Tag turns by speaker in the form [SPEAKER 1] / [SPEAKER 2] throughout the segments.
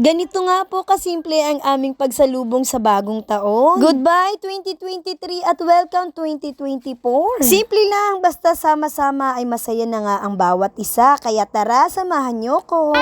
[SPEAKER 1] Ganito nga po kasimple ang aming pagsalubong sa bagong taon. Goodbye 2023 at welcome 2024. Simple lang, basta sama-sama ay masaya na nga ang bawat isa. Kaya tara, samahan niyo ko.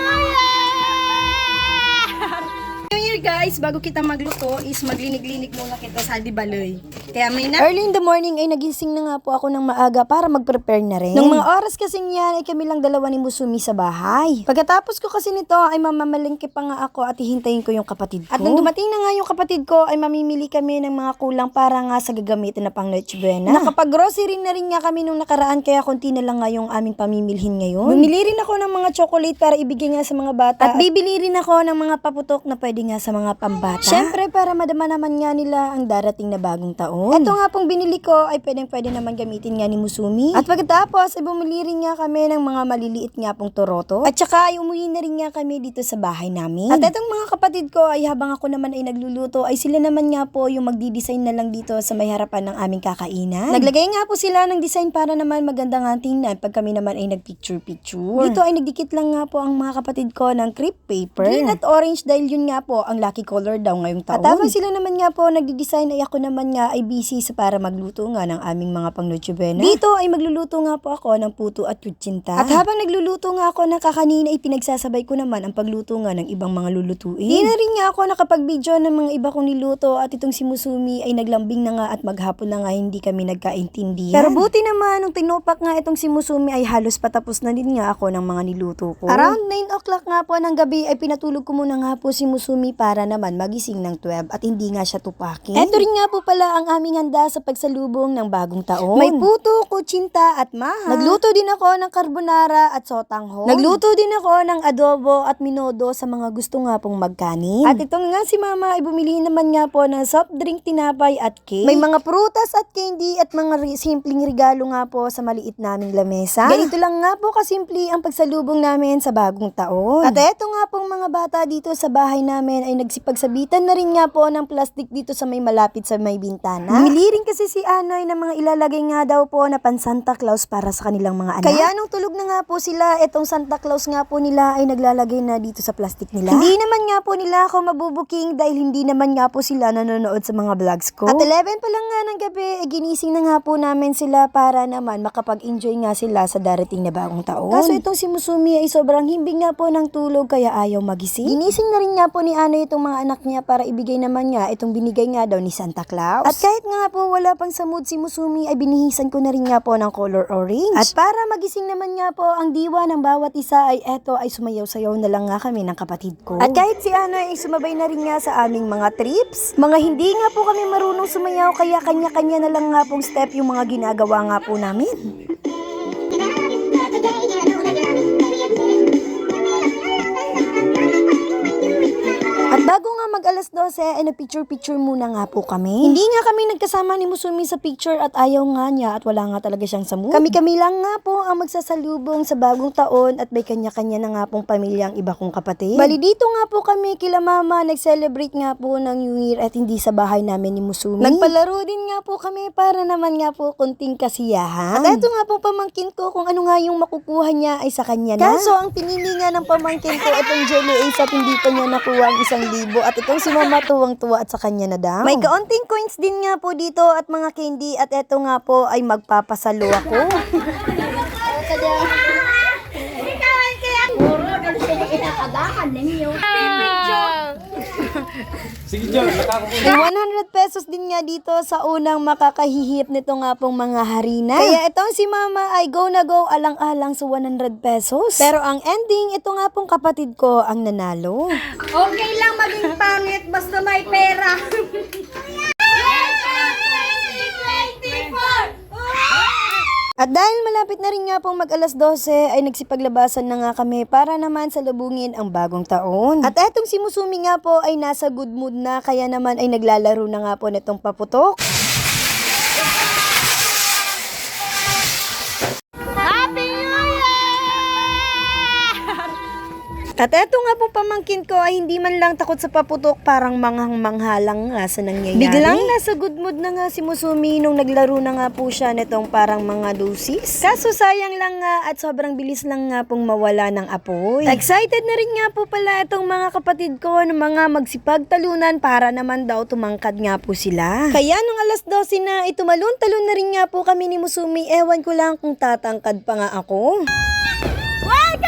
[SPEAKER 1] New Year guys, bago kita magluto is maglinig-linig muna kita sa Dibaloy. Kaya early in the morning ay nagising na nga po ako ng maaga para mag-prepare na rin. Nung mga oras kasing yan ay kami lang dalawa ni Musumi sa bahay. Pagkatapos ko kasi nito ay mamamalengke pa nga ako at hihintayin ko yung kapatid ko. At nung dumating na nga yung kapatid ko ay mamimili kami ng mga kulang para nga sa gagamitin na pang Noche Buena. Nakapag-grocery na rin nga kami nung nakaraan kaya konti na lang nga yung aming pamimilhin ngayon. Bumili rin ako ng mga chocolate para ibigay nga sa mga bata. At bibili rin ako ng mga paputok na pwede nga sa mga pambata. Syempre para madama naman nga nila ang darating na bagong taon. Ito nga pong binili ko ay pwede naman gamitin nga ni Musumi. At pagkatapos ay bumili rin nga kami ng mga maliliit nga pong toroto. At saka ay umuwi na rin nga kami dito sa bahay namin. At itong mga kapatid ko ay habang ako naman ay nagluluto ay sila naman nga po yung magdi-design na lang dito sa may harapan ng aming kakainan. Naglagay nga po sila ng design para naman maganda nga tingnan pag kami naman ay nagpicture-picture. Dito ay nagdikit lang nga po ang mga kapatid ko ng crepe paper. Green at orange dahil yun nga po ang lucky color daw ngayong taon. At habang sila naman nga po nagdi-design ay ako naman nga ay busy sa para magluto nga ng aming mga pang Noche Buena. Dito ay magluluto nga po ako ng puto at kutsinta. At habang nagluluto nga ako ng kakanina ay pinagsasabay ko naman ang pagluto nga ng ibang mga lulutuin. Di na rin nga ako nakapag-video ng mga iba kong niluto at itong si Musumi ay naglambing na nga at maghapon na nga hindi kami nagkaintindihan. Pero buti naman nung tinopak nga itong si Musumi ay halos patapos na din nga ako ng mga niluto ko. Around 9 o'clock nga po ng gabi ay pinatulog ko muna nga po si Musumi para naman magising ng 12 at hindi nga siya tupakin. Ito rin nga po pala ang aming handa sa pagsalubong ng bagong taon. May puto, kutsinta at maha. Nagluto din ako ng carbonara at sotanghon. Nagluto din ako ng adobo at minodo sa mga gusto nga pong magkanin. At itong nga si mama ay bumili naman nga po ng soft drink, tinapay at cake. May mga prutas at candy at mga simpleng regalo nga po sa maliit naming lamesa. Ganito lang nga po kasimple ang pagsalubong namin sa bagong taon. At eto nga pong mga bata dito sa bahay namin ay nagsipagsabitan na rin nga po ng plastic dito sa may malapit sa may bintana. Bumili rin kasi si Anoy na mga ilalagay nga daw po na pan Santa Claus para sa kanilang mga anak. Kaya nung tulog na nga po sila, etong Santa Claus nga po nila ay naglalagay na dito sa plastic nila. Hindi naman nga po nila ako mabubuking dahil hindi naman nga po sila nanonood sa mga vlogs ko. At 11 pa lang nga ng gabi, ginising na nga po namin sila para naman makapag-enjoy nga sila sa darating na bagong taon. Kaso itong si Musumi ay sobrang himbing nga po ng tulog kaya ayaw magising. Ginising na rin nga po ni Anoy itong mga anak niya para ibigay naman niya itong binigay nga daw ni Santa Claus. At kahit nga po wala pang sa mood si Musumi ay binihisan ko na rin nga po ng color orange. At para magising naman nga po ang diwa ng bawat isa ay eto ay sumayaw-sayaw na lang nga kami ng kapatid ko. At kahit si Anoy ay sumabay na rin nga sa aming mga trips, mga hindi nga po kami marunong sumayaw kaya kanya-kanya na lang nga pong step yung mga ginagawa nga po namin. At bago nga mag alas 12 ay nagpicture-picture muna nga po kami. Hindi nga kami nagkasama ni Musumi sa picture at ayaw nga niya at wala nga talaga siyang sa mood. Kami-kami lang nga po ang magsasalubong sa bagong taon at may kanya-kanya na nga pong pamilya ang iba kong kapatid. Bali dito nga po kami kila mama nag-celebrate nga po ng New Year at hindi sa bahay namin ni Musumi. Nagpalaro din nga po kami para naman nga po kunting kasiyahan. At eto nga po pamangkin ko kung ano nga yung makukuha niya ay sa kanya na. Kaso ang pinili nga ng pamangkin ko itong jelly ace at hindi pa niya nakuha ang 1,000 at itong si mama tuwang-tuwa at sa kanya na daw. May kaunting coins din nga po dito at mga candy at eto nga po ay magpapasalo ako.
[SPEAKER 2] Sige, John, nakakakuha.
[SPEAKER 1] May 100 pesos din nga dito sa unang makakahihip nito nga pong mga harina. Kaya itong si mama ay go na go alang-alang sa 100 pesos. Pero ang ending, ito nga pong kapatid ko ang nanalo.
[SPEAKER 3] Okay lang maging pangit basta may pera.
[SPEAKER 1] At dahil malapit na rin nga pong mag alas 12 ay nagsipaglabasan na nga kami para naman salubungin ang bagong taon. At etong si Musumi nga po ay nasa good mood na kaya naman ay naglalaro na nga po nitong paputok. At eto nga po pamangkin ko ay hindi man lang takot sa paputok, parang manghang-manghalang nga sa nangyayari. Biglang nasa good mood na nga si Musumi nung naglaro na nga po siya nitong parang mga dosis. Kaso sayang lang nga at sobrang bilis lang nga pong mawala ng apoy. Excited na rin nga po pala itong mga kapatid ko ng mga magsipagtalunan para naman daw tumangkad nga po sila. Kaya nung alas 12 na, itumalon-talon na rin nga po kami ni Musumi. Ewan ko lang kung tatangkad pa nga ako. Welcome